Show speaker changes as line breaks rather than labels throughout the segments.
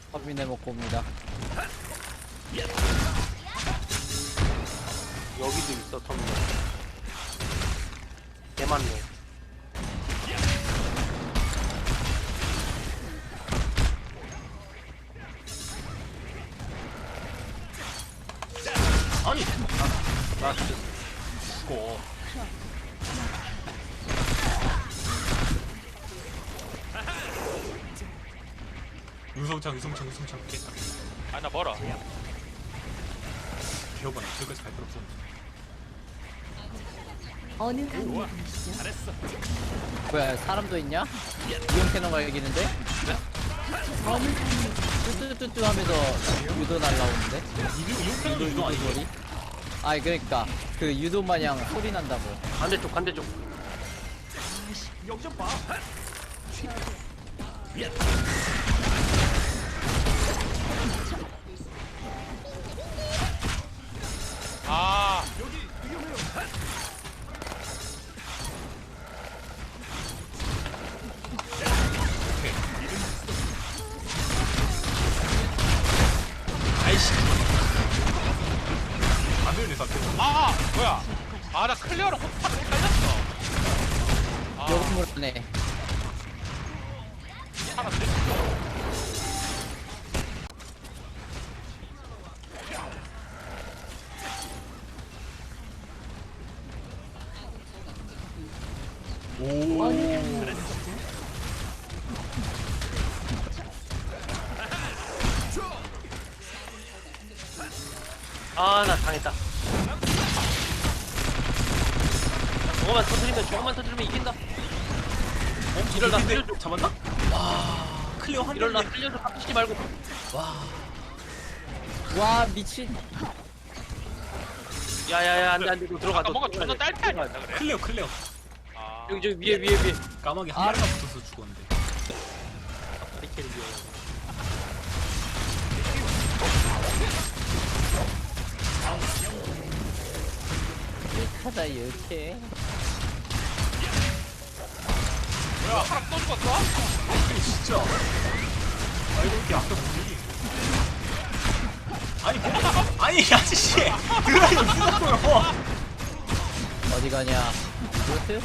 터미네 먹고 옵니다.
여기도 있어 터미널. 개 많네.
아니
나
죽어. 유성창 깼다.
아 나 멀어.
기어봐. 저기까지 갈 필요 없어.
어느 강의이시죠?
잘했어.
뭐야 사람도 있냐? 이용 캐논가 이기는데?
어느 강의
뚜뚜뚜뚜 하면서 유도 날라오는데?
이용편도 유도 아니고.
소리? 아니 그러니까 그 유도 마냥 소리 난다고.
반대쪽 반대쪽.
여기 좀 봐. 아
아이씨. 안 되네 사태.
뭐야? 아 나 클리어로 호타를 헷갈렸어. 아
요금을 하네.
사람들.
오.
어느 강의이시죠?
아 나 당했다. 저거만 터뜨리면 이긴다. 이럴 나 살려줘.
잡았나? 와. 클리어 한
이럴 나
대.
살려줘. 깝치지 말고.
와.
와 미친.
야야야 안돼 안돼. 너 들어가.
아까
너
뭔가
들어가야
존나
돼.
딸피 아니었나 그래?
클리어.
아
여기 저기 위에.
까마귀 한 마리가 붙어서 죽었는데.
이렇게 위에.
하다 이렇게.
뭐야 사람 또 죽었어?
아니 진짜. 아 이렇게 아까 뭐지? 아니 이 아저씨 드라이브 쓰고요.
어디 가냐? 이것도?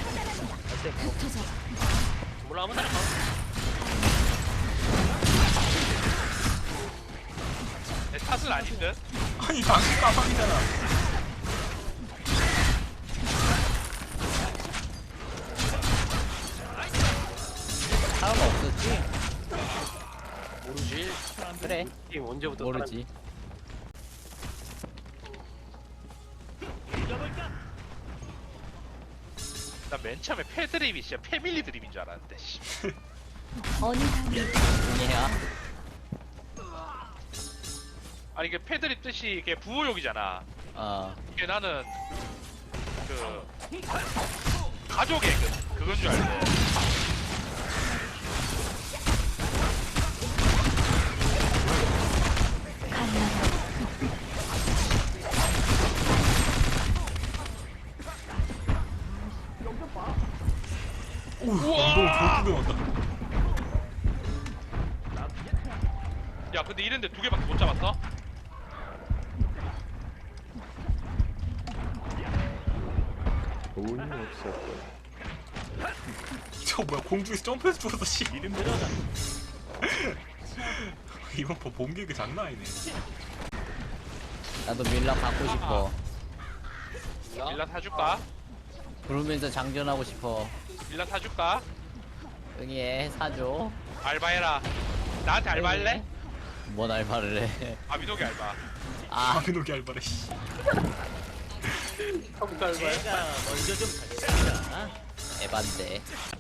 몰라 아무나 가.
내 탓은 아닌 듯.
아니 방금 까마귀잖아.
사람 없었지?
모르지.
그래
게임 언제부터
모르지.
나 맨 처음에 패드립이 진짜 패밀리 드립인 줄 알았는데. 씨.
어느 강의
아니야.
아니 이게 패드립 뜻이 이게 부호욕이잖아. 이게 나는 그 가족의 그건 줄 알고.
우와. 너무 왔다.
야 근데 이랬는데 두 개밖에 못 잡았어?
돈이 없었고
저 뭐야 공중에서 점프해서 죽었어 씨. 이번 번 bom개그 장난 아니네.
나도 밀라 갖고 싶어.
밀라 사줄까?
부르면서 장전하고 싶어.
밀라 사줄까?
응애 사줘.
알바해라. 나한테 알바할래?
뭔 알바를 해?
아미노기 알바.
아
아미노기 알바래 씨.
에반데.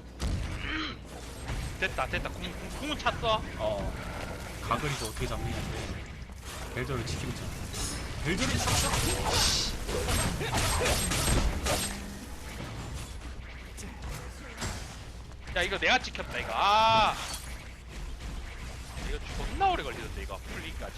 됐다. 궁은 찼어.
가글이서 어떻게 잡느냐인데 벨저를 지키고 있잖아. 벨저를 쳤어.
야 이거 내가 찍혔다 이거. 이거 존나 오래 걸리던데 이거 풀리기까지.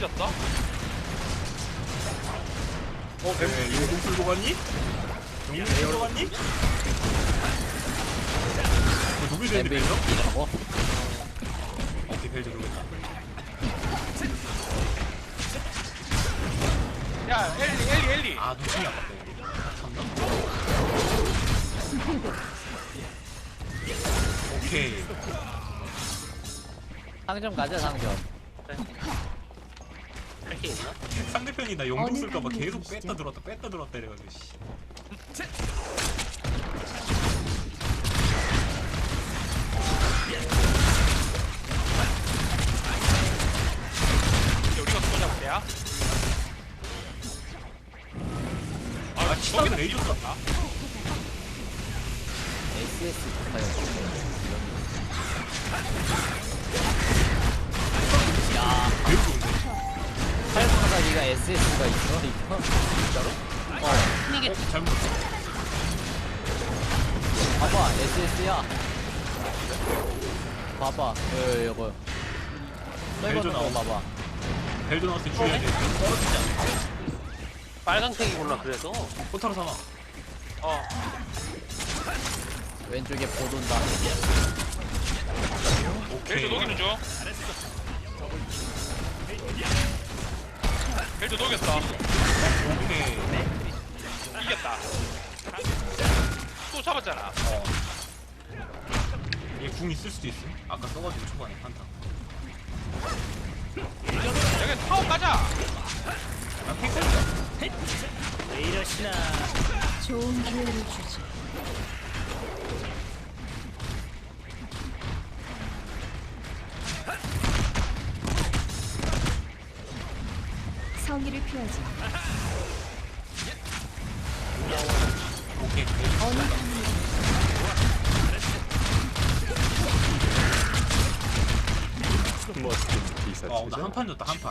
이겼어?
왜 용공 쓸고 갔니? 용공 쓸고 갔니? 누구 되는데 벨저?
벨저?
오케이 벨저 누구다.
야 엘리
아 눈치이 아깝다 이거. 참나. 오케이.
상점 가자 상점.
할게 있나?
상대편이 나 용공
어느
쓸까봐
강의
계속
분이시죠?
뺐다 들었다 이래가지고 씨.
이제 우리가 그거 잡을 때야?
아 치다가 레이저 쐈다.
SS 가요. 야,
매우 좋은데.
팔방사기가 SS가 있어 이거? 진짜로?
이게
잘못 봤어.
봐봐 SS야. 봐봐 이거.
벨저
거
나오고.
봐봐.
벨저 나왔을 때 죽여야 돼. 떨어지지 않아.
빨강색이구나 그래서.
포타로 삼아.
왼쪽에 보돈다.
오케이.
벨저 녹이는 중. 벨저 녹였어.
오케이.
이겼다. 또 잡았잖아.
얘 궁 있을 수도 있어. 아까 써가지고 초반에 한타.
여기 타워 가자.
난 탱커야.
왜 이러시나.
좋은 기회를 주지. 성의를 표하지.
오케이.
어느 강의
멋진 기사치자.
나 한 판 줬다 한 판.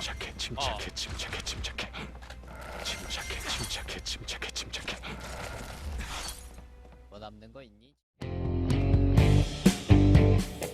침착해.
뭐 남는 거 있니?